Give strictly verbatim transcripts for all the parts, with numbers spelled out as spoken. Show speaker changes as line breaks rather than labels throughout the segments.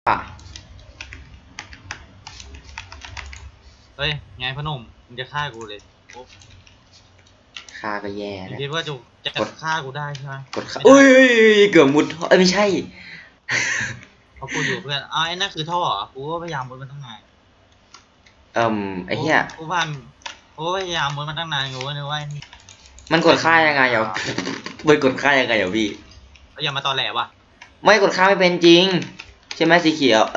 อ่ะ
เฮ้ยไงพนมมึงจะฆ่ากูเลยโอ้
ฆ่าก็แย่
มึง
นะ
คิดว่าจะจะฆ่ากูได้ใช่ไหม
กดฆ่าอุ้ยเกือบมุดท่อเอ้ยไม่ใช่
เพราะกูอยู่เพื่อนอ้าวไอ้นั่นคือท่อเหรอกูก็พยายามมุดมันตั้งนาน
เอ่มไอ้เหี้ย
กูว่ากูก็พยายามมุดมันตั้งนานกูก็นึกว่านี่
มันกดฆ่ายังไงเหรอมันกดฆ่ายังไงเหรอพี่
อย่ามาตอแหลวะ
ไม่กดฆ่าไม่เป็นจริงใช่ไหมสีเขียว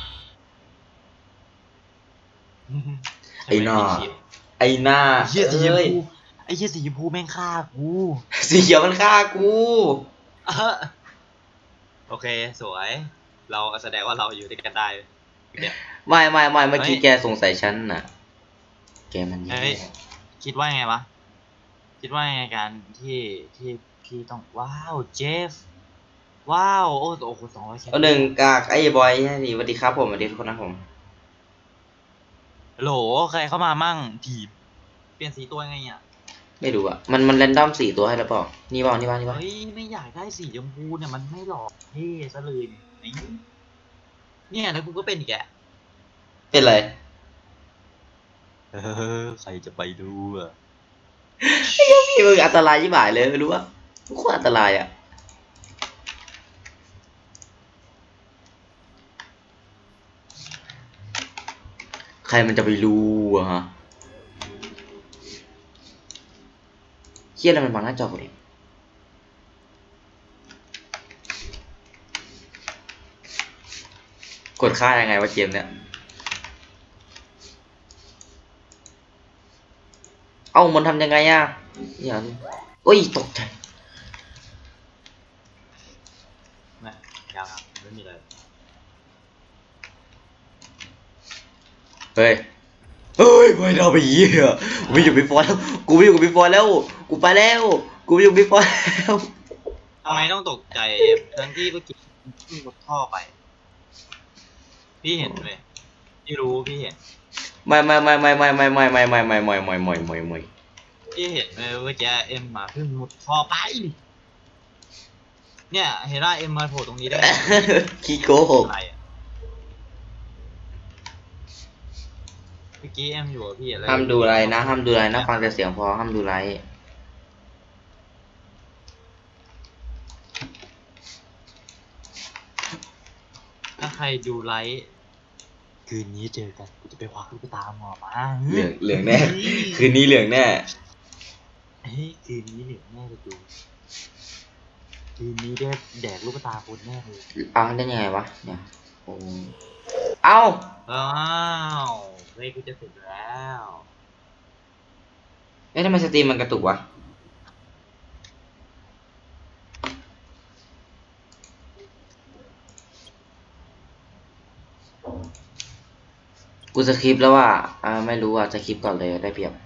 ไอ้หน้าไอ้หน้า
ไอ้เหี้ยสีชม
เอ้ย
พูไอ้เหี้ยสีชมพูแม่งฆ่ากู
สีเขียวมันฆ่ากู
เออโอเคสวยเราแสดงว่าเราอยู่ด้วยกันได้เนี่ย
ไม่ไม่ไม่เมื่อกี้
เฮ้ย
แกสงสัยฉันน่ะแกมันแย่
เฮ้ยคิดว่าไงวะคิดว่าไงการที่ที่พี่ต้องว้าวเจฟว้าวโอ้โอ้โหสองร้อย
เอาหนึ่งกากไอ้บอยนี่สวัสดีครับผมสวัสดีทุกคนนะผม
โหลใครเข้ามามั่งทีมเปลี่ยนสีตัวไงอ่ะ
ไม่รู้อ่ะมันมันแรนดอมสี่ตัวให้แล้วเปล่านี่เปล่านี่เปล่านี่เปล่า
เฮ้ยไม่อยากได้สีชมพูเนี่ยมันไม่หลอกเท่ซะเลยเนี่ยเนี่ยแล้วกูก็เป็นอีกแก
เป็นไร
เออใครจะไปดูอ่ะ
พี่มึงอันตรายยิ่งหายเลยไม่รู้ว่าโคตรอันตรายอ่ะใครมันจะไปรู้อะฮะเฮียอะไรมันบังหน้าจอกูดิกดค่ายังไงวะเกมเนี่ยเอ้ามันทำยังไงอ่ะอย่าโอ้ยตกใจ
ไม่ยังครับไม่มีอะไร
เฮ้ยเฮ้ยไม่ได้ไปเหี้ยกูไม่อยู่บิ๊กฟอร์แล้วกูไม่อยู่กับบิ๊กฟอร์แล้วกูไปแล้วกูไม่อยู่บิ๊กฟอร์แล้ว
ทำไมต้องตกใจทั้งที่เมื่อกี้ขึ้นรถท่อไป พี่เห็นเลยพี่รู้พี่เห็น
ไม่ไม่ไม่ไม่ไม่ไม่ไม่ไม่ไม่ไม่ไม่ไม่ไม่ไม่ไม่
พี่เห็นเลยว่าจะเอ็มมาขึ้นรถท่อไป เนี่ยเห็นว่าเอ็มมาโผล่ตรงนี้ได้ไง
ขี้โกหก
อะไรอะเมื่อกี้เอ็มอยู่กับพี่อะไร
ห้ามดูอะไรนะห้ามดูอะไรนะฟังแต่เสียงพอห้ามดูอะไร
ถ้าใครดูไลฟ์คืนนี้เจอกันกูจะไปควักลูกตาหมอมา
เหลืองเหลืองแน่คืนนี้เหลืองแน่
เฮ้ยคืนนี้เหลืองแน่เลยดูคืนนี้ได้แดกลูกตาคนแน่เลย
เอาได้ยังไงวะเนี่ยโอ้เอา
อ้าวเฮ้ยกูจะเสร็จแล้ว
เอ๊ะทำไมสตรีมมันกระตุกวะกูสคริปต์แล้วว่าอ่าไม่รู้อ่ะสคริปต์ก่อนเลยได้เปรียบ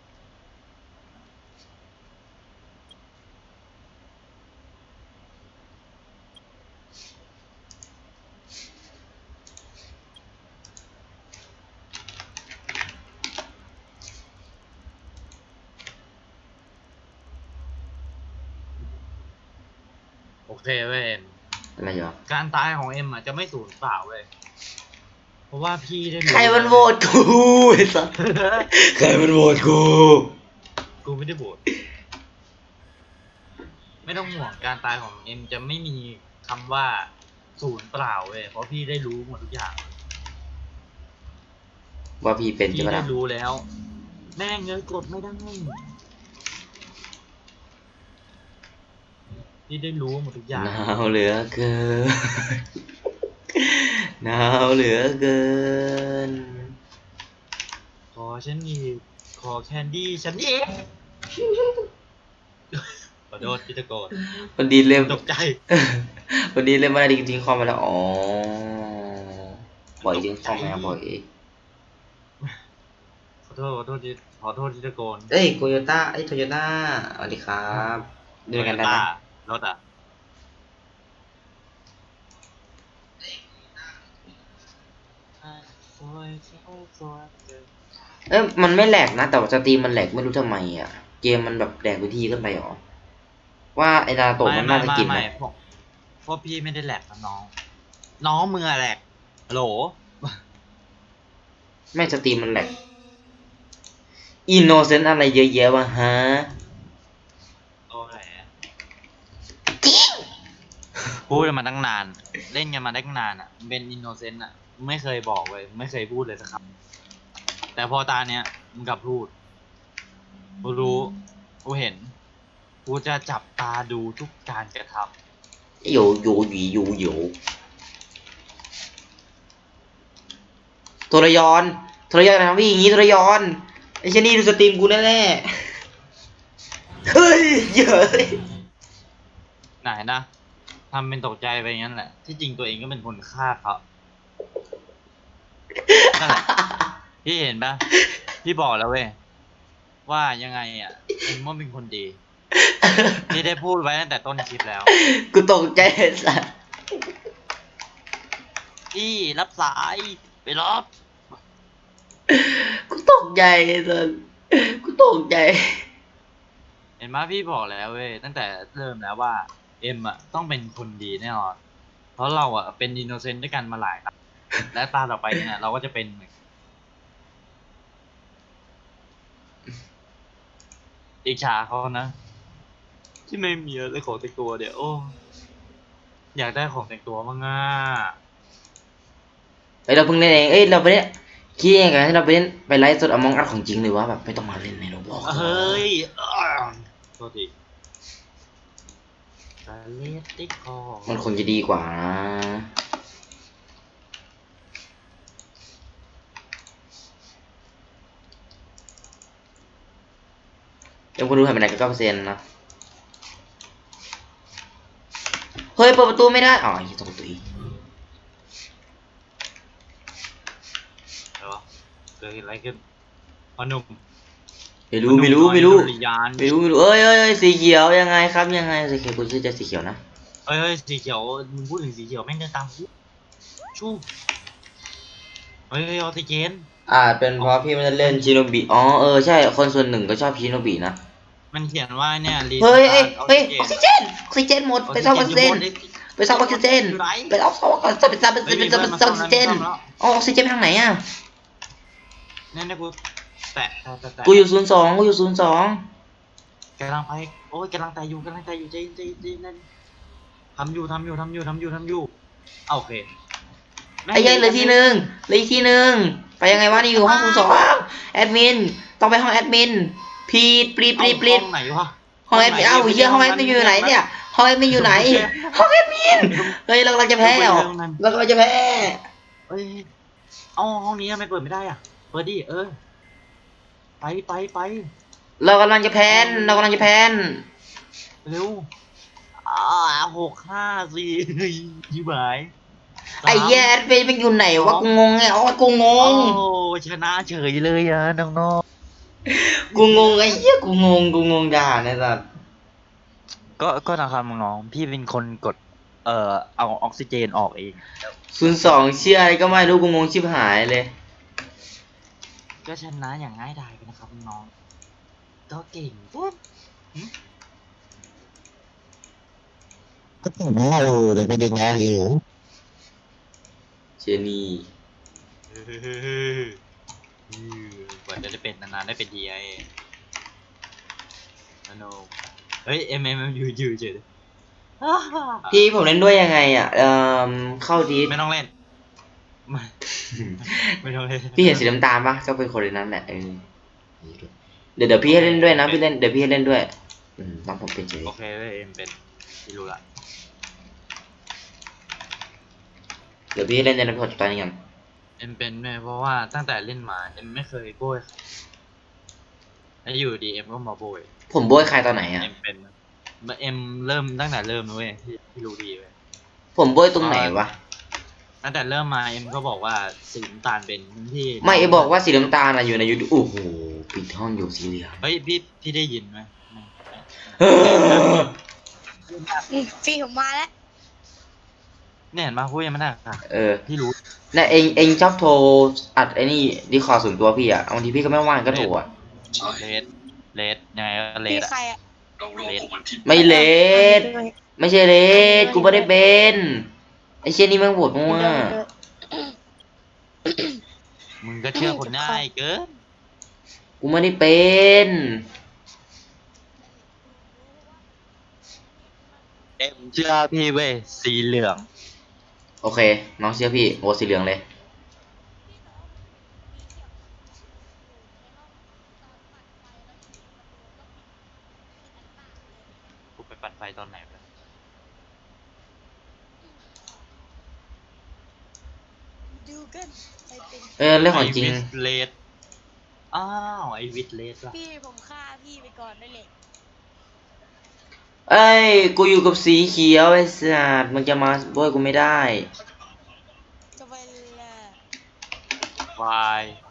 โอเคเว้ย
อะไรอยู่
การตายของเอ็มอ่ะจะไม่สูญเปล่าเว้ยเพราะว่าพี่ได้
ใครมันโหวตกูไอ้สัสใครมันโหวตกู
กูไม่ได้โบดไม่ต้องห่วงการตายของเอ็มจะไม่มีคำว่าสูญเปล่าเว้ยเพราะพี่ได้รู้หมดทุกอย่าง
ว่าพี่เป็นใช่
พี่
ไหม
ได้
ล่ะ
รู้แล้ว แม่งเงยกดไม่ได้พี่ได้รู้หมดทุกอย่าง
หนาวเหลือเกินหนาวเหลือเกิน
ขอฉันอีกขอแคนดี้ฉันอีกขอโทษพี่ตะโกน
วันดีเล่ม
ตกใจ
วันดีเล่มมาดีทิ้งคอมไปแล้วอ๋อบ่อยทิ้งคอมมาบ่อย
ขอโทษขอโทษที่ขอโทษที่ตะโกน
เอ้ยโตโยต้าไอ้โตโยต้าสวัสดีครับด้วยกันได้ไหม
รถอ่ะ
เอ้ยมันไม่แหลกนะแต่ว่าสตรีมมันแหลกไม่รู้ทำไมอ่ะเกมมันแบบแหลกวิธีขึ้นไปหรอว่าไอ้ดาโตะมันน่าจะกินไหม
เพราะพี่ไม่ได้แหลกนะน้อง น้องมือแหลกฮัลโหล
แม่งสตรีมมันแหลกอินโนเซนต์อะไรเยอะแยะวะฮะ
โอ้ยพูดกันมาตั้งนาน เล่นกันมาตั้งนานอ่ะเป็นอินโนเซนต์อ่ะไม่เคยบอกเลยไม่เคยพูดเลยสักคำแต่พอตาเนี้ยมึงกลับพูดกูรู้กูเห็นกูจะจับตาดูทุกการกระทำ
โยโยหยีโยโยโทรยอนโทรยอนทำพี่อย่างงี้โทรยอนไอ้เชนี่ดูสตรีมกูแน่ๆเฮ้ยเยอะ
ไหนนะทำเป็นตกใจไปงั้นแหละ ที่จริงตัวเองก็เป็นคนฆ่าเขานั่นแหละพี่เห็นปะพี่บอกแล้วเว้ยว่ายังไงอ่ะเอ็มว่าเป็นคนดีพี่ได้พูดไว้ตั้งแต่ต้นคลิปแล้ว
กูตกใจสัส
พี่รับสายไปรับ
กูตกใจสัสกูตกใจ
เห็นไหมพี่บอกแล้วเว้ยตั้งแต่เริ่มแล้วว่าเอ็มอ่ะต้องเป็นคนดีแน่นอนเพราะเราอ่ะเป็นอินโนเซนต์ด้วยกันมาหลายครั้งและตาต่อไปเนี่ยเราก็จะเป็นอิจฉาเขานะที่ไม่มีอะไรของแต่งตัวเดี๋ยวโอ้อยากได้ของแต่งตัวบ้างอ่ะ
เอ้ยเราเพิ่งเล่นเองเอ้ยเราไปเล่นคิดยังไงให้เราไปเล่นไปไลฟ์สดอมองอัดของจริงหรือว่าแบบไม่ต้องมาเล่นในโรบล็อก
เฮ้ยโทษทีกาเลตติคอ
มันคงจะดีกว่านะยังคนดูหายไปไหนก็เก้าเปอร์เซ็นต์นะเฮ้ยเปิดประตูไม่ได้อ๋อยี่ตรงประตูอีก
เหรอเกิดอะไรขึ้นพอหนุ่ม
ไม่รู้ไม่รู้ไม่รู้
ดุริยาน
ไม่รู้ไม่รู้เอ้ยเอ้ยเอ้ยสีเขียวยังไงครับยังไงสีเขียวกูชื่อจะสีเขียวนะ
เฮ้ยเฮ้ยสีเขียวมึงพูดถึงสีเขียวแม่งเดินตามกูชู้เฮ้ยเฮ้ยออกซิเจน
อาจเป็นเพราะพี่ไม่ได้เล่นชิโนบิอ๋อเออใช่คนส่วนหนึ่งก็ชอบชิโนบินะ
มันเขียนว่าเนี่ยรี
เฮ้ยเฮ้ย
ออก
เฮ้ย
ซิ
ออก
เจ
ซิ
น
เจนออกซิเจนหมดไปซ่อมออกซิเจนไปซ่อมออกซิเจนไปเอาซ่อมออกซิเจนไปซ่อมไปซ่อมไปซ่อมออกซิเจนอ๋อออกซิเจนทางไหนอ่ะ
เนี่ยเนี่ยกูแตะแตะแตะแตะ
กูอยู่ศูนย์สองกูอยู่ศูนย์สอง
กำลังไปโอ้ยกำลังแต่อยู่กำลังแต่อยู่ใจใจใจนั่นทำอยู่ทำอยู่ทำอยู่ทำอยู่ทำอยู่เอาโอเค
ไอ้ยัยเหลือที่หนึ่งเหลืออีกที่หนึ่งไปยังไงวะนี่อยู่ห้องศูนย์สองแอดมินต้องไปห้องแอดมินพีดปรีดปรีดปรีด
ห้องไหนวะ
ห้องแอดมินเอ้าเหี้ยห้องแอดมินอยู่ไหนเนี่ยห้องแอดมินอยู่ไหนห้องแอดมินเฮ้ยเรากำลังจะแพ้เหรอเรากำลังจะแพ้
เอ้ยเอาห้องนี้ทำไมเปิดไม่ได้อ่ะเปิดดิเออไปไปไป
เรากำลังจะแพ้นเรากำลังจะแพ้น
เร็วอ่าหกห้าสี่ยี่หมาย
ไอ้แย่แอดมินมันอยู่ไหนวะกูงงไงอ๋อกูง
โอ้
ง
ชนะเฉยเลยอ่ะน้อง
กูงงไอ้เหี้ยกูงงกูงงด่าเนี่ยสัส
ๆก็ก็นะครับน้องๆพี่เป็นคนกดเอ่อเอาออกซิเจนออกเอง
ศูนย์สองเชื่ออะไรก็ไม่รู้กูงงชิบหายเลย
ก็ชนะอย่างง่ายดายไปนะครับน้องก็เก่งปุ๊บ
ก็ถึงว่าเราเลยไปดึงงานอยู่
เจนี่
กว่าจะได้เป็นนานๆได้เป็นดีไอโนเฮ้ยเอ็มเอ็มอยู่อยู่เฉย
พี่ผมเล่นด้วยยังไงอ่ะเอ่อเข้าดี
ไม่ต้องเล่นไม่ไม่ต้องเล่น
พี่เห็นสีน้ำตาลปะก็เป็นคนในนั้นแหละเออเดี๋ยวเดี๋ยวพี่ให้เล่นด้วยนะพี่เล่นเดี๋ยวพี่ให้เล่นด้วยอืมต้องผมเป็นเฉย
โอเคเว้ยเอ็มเป็นพี่รู้ละ
เดี๋ยวพี่ให้เล่นในนั้นพอจบตอนนี้กัน
เอ็มเป็นแม่เพราะว่าตั้งแต่เล่นมาเอ็มไม่เคยโบยแล้วอยู่ดีเอ็มก็มาโบย
ผมโบยใครตอนไหนอ่ะ
เอ็มเป็นเอ็มเริ่มตั้งแต่เริ่มนะเว้ยพี่พี่รู้ดีเว้ย
ผมโบยตรงไหนวะ
ตั้งแต่เริ่มมาเอ็มก็บอกว่าสีน้ำตาลเป็นที่
ไม่ไอบอกว่าสีน้ำตาลอะอยู่ในยูทูบโอ้โหปิดห้องอยู่สีเหลือง
เฮ้ยพี่พี่ได้ยินไหม
เออ
อืมพี่ผมมาแล้ว
เนี่ยเห็นมาพูดยังไม่ได้ค่ะ
เออ
พี่รู้
แล้วเองเองชอบโทรอัดไอ้นี่ดีคอส่วนตัวพี่อ่ะบางทีพี่ก็ไม่ว่างก็โทรอ่ะ
เลดเลดยังไงก็เล
พี่
ดอะ
ใครอะ
เลด
ไม่เลดไม่ใช่เลดกูไม่ได้เป็นไอเช่นนี่แม่งโหดมั่ว
มึงก็เชื่อคนง่ายเกิน
กูไม่ได้เป็น
เอ็มเชื่อพี่เว้ยสีเหลือง
โอเค น้องเชื่อพี่โอ้สีเหลืองเลย
กูไปปัดไฟตอนไหนไป
ดูกันใครเป็น
เออเรื่องของจริง
ไวิสเลดอ้าวไอวิสเลดล่ะ
พี่ผมฆ่าพี่ไปก่อนได้เลย
เอ้ย กูอยู่กับสีเขียวไอ้สัตว์มึงจะมาโบยกูไม่ได้
จะไปละ
วาย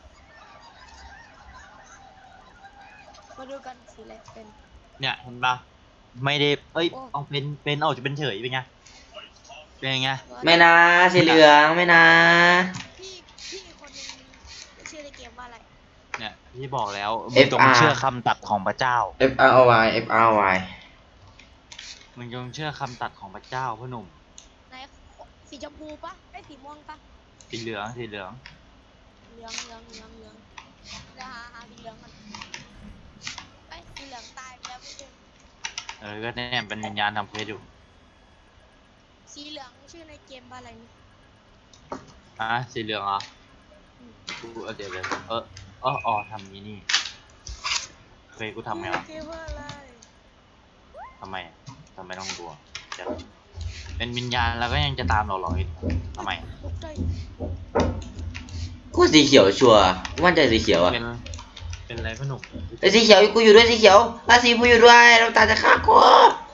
มาดูกันสีอะไรเป็น
เนี่ยเห็นปะไม่ได้เอ้ย
โอ้
เอาเป็นเป็นเอาจะเป็นเฉยเป็นไงเป็นไง
ไม่นะสีเหลืองไม่นะ
พี่พี่คนหนึงชื่อในเกมว่าอะไร
เนี่ยพี่บอกแล้วมึงจงเชื่อคำตัดของพระเจ้า
F R O Y F R O Y
มึงจงเชื่อคำตัดของพระเจ้าพ่อหนุ่ม
ไหนสีชมพูปะไอ้ยสีม่วงปะ
สีเหลืองสีเหลือง
เหลืองเหลืองเหลืองเหลืองเดี๋ยวหาหาสีเหลืองมันไอ้ยสีเหลืองตายไปแล้วไม่ใช่
เออก็เนี่ยเป็นวิญญาณทำเพศอยู่
สีเหลืองชื่อในเกมว่าอะไรนี่
อ่ะสีเหลืองเหรอกูเอาเดี๋ยวเดี๋ยวเออเอออ๋อทำนี้นี่เคยกูทำไงวะ
เกมว่าอะไร
ทำไมอะทำไมต้องกลัวจะเป็นวิญญาณแล้วก็ยังจะตามเราเหรออีกทำไมอะ
ตกใจ
กูสีเขียวชัวร์กูมั่นใจสีเขียวอะ
เป็นเป็นอะไรพ่อหนุ่ม
ไอ้สีเขียวกูอยู่ด้วยสีเขียวราสีกูอยู่ด้วยเราตาจะฆ่ากู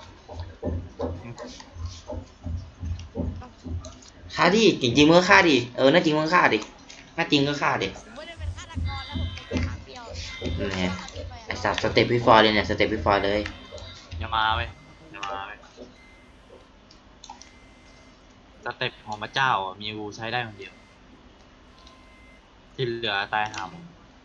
ฆ่าดิจริงๆมึงก็ฆ่าดิเออน่าจริงมึงก็ฆ่าดิน่าจริงก็ฆ่าดิ
ผมไม่ได้เป็นฆาตกรแล้วผมเป็นแค่ข้างเดียว
นั่นไง
ฆ่าพี่ไป
ไอ้
อะ
สัตว์สเต็ปพี่ฟอร์เลยเนี่ยสเต็ปพี่ฟอร์เลย
อย่ามาเว้ยอย่ามาเว้ยสเต็ปของพระเจ้าอ่ะมีกูใช้ได้คนเดียว ที่เหลือตายหาหมด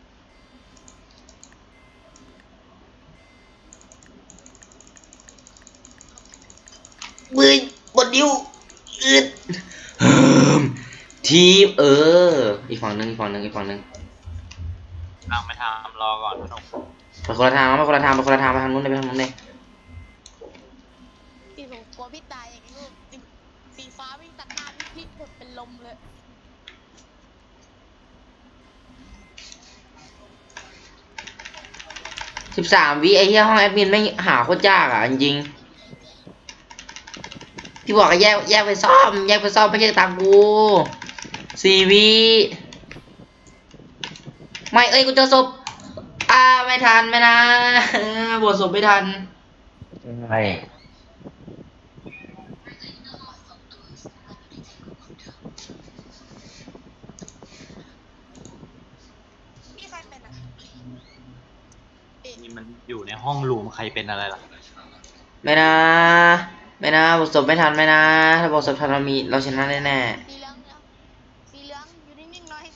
มือบดนิ้วอึดเฮิมทีมเอออีกฝั่งหนึงอีกฝั่งหนึงอีกฝั่งหนึง
นั่งไปทำรอก่อนพ่อหนุ่ม
ไปคนละทางไปคนละทางไปคนละทางไปทางนู้นเลยไปทางนู้นเลย
พี่ผมกลัวพี่ตายอย่างนี้สีสีฟ้าวิ่งตัดหน้าพี่พี่หมดเป็นลมเลย
สิบสามวิไอ้เหี้ยห้องแอดมินไม่หาโคตรยากอ่ะจริงๆพี่บอกให้แยกแยกไปซ่อมแยกไปซ่อมไม่ใช่ตามกูสี่วิไม่เอ้ยกูเจอศพอ่าไม่ทันไม่นะบวชศพไม่ทัน
ไม่
พี่ใครเป็นอ่ะ
นี่มันอยู่ในห้องรูมใครเป็นอะไรล่ะ
ไม่นะไม่นะบวชศพไม่ทันไม่นะถ้าบวชศพทันเรามีเราชนะแน่
สีเหลืองเนี่ยสีเหลืองอยู่นิ่งๆหน่อย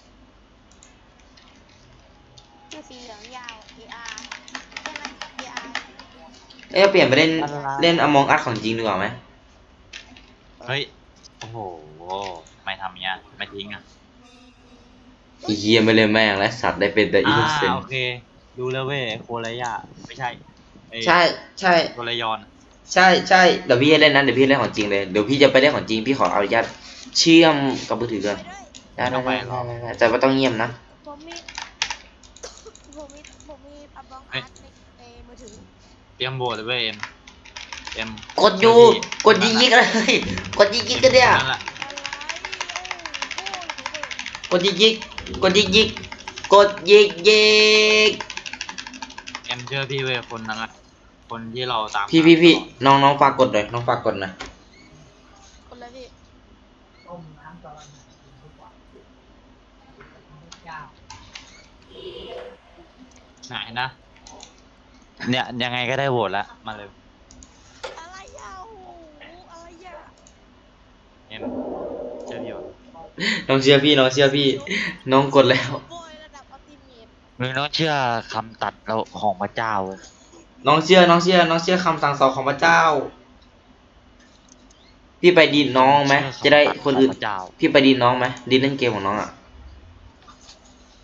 ชื่อสีเหลืองยาว A R ใช่ไหม A R
ๆเอ้ยเปลี่ยนไปเล่นเล่นอมองอัดของจริงดีกว่าไหม
เฮ้ย โอ้โหไม่ทำอย่างเงี้ยไม่ทิ้งอ่ะ
อีเหี้ยไม่เล่นแม่งและสัตว์ได้เป็นแต่อิน
อ่า
โนเซน
โอเค ดูแล้วเว้ยโคระยะไม่ใช่เอ้ย
ใช่ใช่
โคระยอน
ใช่ใช่เดี๋ยวพี่จะเล่นนั้นเดี๋ยวพี่เล่นของจริงเลยเดี๋ยวพี่จะไปเล่นของจริงพี่ขออนุญาตเชื่อมกับมือถือก่อน
ไปด้วย
ได้ได้ได้ได้ได้แต่ว่าต้องเงียบนะ
ผมมี ผมมีผมมีอัลบั้มอาร์ตในในมือถือ
เตรียมโบสเลยเว้ยเอ็มเอ็ม
กดอยู่กดยิงยิงๆเลยกดยิงยิงๆกันเนี่ย
นั่นแหละ
อะไรโอ้โห
กดยิงยิงกดยิงยิงกดยิงยิง
เอ็มเชื่อพี่เว้ยคนนั้นแหละคนที่เราตาม
พี่พี่พี่น้องน้องฝากกดหน่อยน้องฝากกดหน่อย
คนละพี่
ไหนนะ เนี่ยยังไงก็ได้โหวตละมาเลย
อะไรยาวอะไรยาว
เอ็มเชื่อพี่วะ
น้องเชื่อพี่น้องเชื่อพี่น้องกดแล้ว
โบยระดับอัลติเมท
มึงต้องเชื่อคำตัดเราของพระเจ้าเว้ย
น้องเชื่อน้องเชื่อน้องเชื่อคำสั่งสอนของพระเจ้า พี่ไปดีดน้องไหมจะได้คนอื่น
พระเจ้า
พี่ไปดีดน้องไหมดีดเล่นเกมของน้องอ่ะ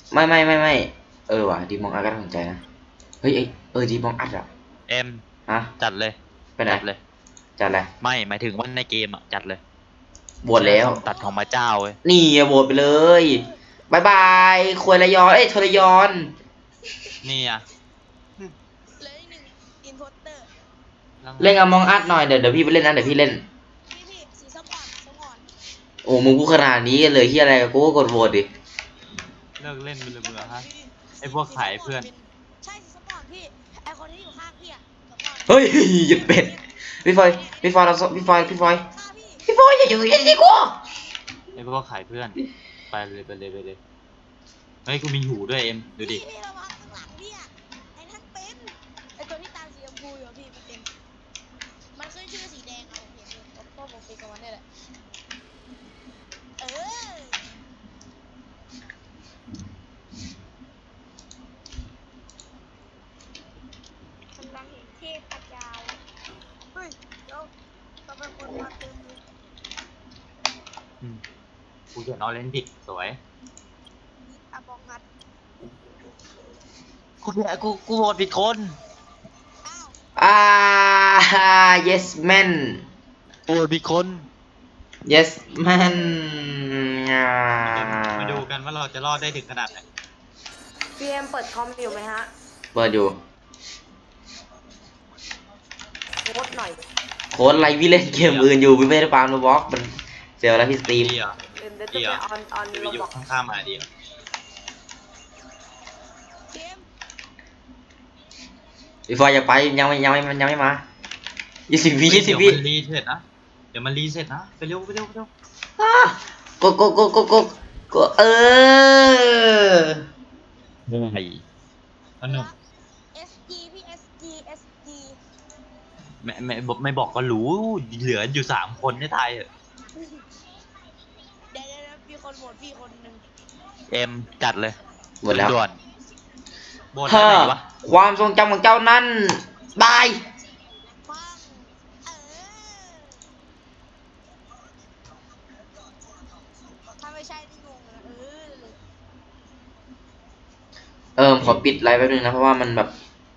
ไม่ไม่ไม่ไม่เออว่ะดีมองอัดก็น่าสนใจนะเฮ้ยเอ้ยเออดีมองอัดอ่ะ
เอ็ม
ฮะ
จัดเลย
ไปไหน
จัดเลย
จัดอะไร
ไม่หมายถึงว่าในเกมอ่ะจัดเลย
บวชแล้ว
ตัดของพระเจ้าเว้ย
นี่อะบวชไปเลยบายบายควยระยอนเอ้ยทรยอน
นี่อ่ะ
เหลยหนึ่งอินโพเตอร์
เล่นกับมองอัดหน่อยเดี๋ยวเดี๋ยวพี่ไปเล่นนะเดี๋ยวพี่เล่น
พี่พี่สีส้มอ่อนส้มอ่อน
โอ้มึงพูดขนาดนี้เลยที่อะไรกูก็กดโหวตดิ
เลิกเล่นไปเลยเบื่อฮะ
พี่
ไอ้พวกขายเพื่อน
ใช่สีส้มอ่อนพี่ไอคนที่อยู่ข้างพี่อะส้มอ่อน
เฮ้ยหยุดเป็ดพี่ฟอยพี่ฟอยเราพี่ฟอยพี่ฟอย
ฆ่าพี่
พี่ฟอยอย่าอยู่อย่างนี้กู
ไอ้พวกขายเพื่อน ไปเลยไปเลยไปเลยเฮ้ยกูมีหูด้วยเอ็มดูดิ
พี่พี่ระวังข้างหลังพี่อะไอ้นั่นเป็นไอตัวที่ตาสีชมพูอยู่อะพี่มันเป็นมันขึ้นชื่อสีแดงเอาผมเห็นเลยเพราะผมเป็นกับมันนี่แหละเออ กำลังเห็นเทพเจ้าเฮ้ยเดี๋ยวเราเป็นคนมาเต็มเลย
อืมกูจะนอนเล่นผิดสวย
อาบองงัด
กูเนี่ยกูกูโหวตผิดคน
อ้าว
อ่า yes man
โหวตผิดคน
yes man อ่า
มาดูกันว่าเราจะรอดได้ถึงขนาดไหน
พีเอ็มเปิดคอมอยู่ไหมฮะ
เปิดอยู่
โค้ดหน่อย
โค้ดอะไรพี่เล่นเกมอื่นอยู่พี่ไม่ได้ปาล์มโรบล็อกมันเซลล์แล้วพี่สตรีม
ดีเหรอ
เดี๋ยวจะ
ดี
ไป
เหรอ
ออนออน
เดี๋ยวไป
ระ
อยู่
บอก
ข้างๆมาดีเหรอ
เกม
พี่ฟอยอย่าไปยังไม่ยังไม่ยังไม่มายี่สิบวิยี่สิบวิ
เดี๋ยวมันรีเสร็จนะ เดี๋ยวมันรีเสร็จนะ ไปเร็วไปเร็วไปเร็ว
อ่ะกดกดกดกดกดกดเออ
ไอ้สนุก
เอสจีพี่เอสจีเอสจี
ไม่ไม่บอกไม่บอกก็รู้ เหลืออยู่สามคนในไทยอะ
เดี๋ยวเดี๋ยวเดี๋ยวมีคนโหวตพี่คนหนึ่ง
เอ็มจัดเลย
หมดแล้ว
ด่วนๆโบน
ฮ่า
ไหนวะ
ความทรงจำของเจ้านั้นบาย
ปังเออถ้าไม่ใช่นี่งงเลยนะเออเลย
เออขอปิดไลฟ์แป๊บนึงนะเพราะว่ามันแบบ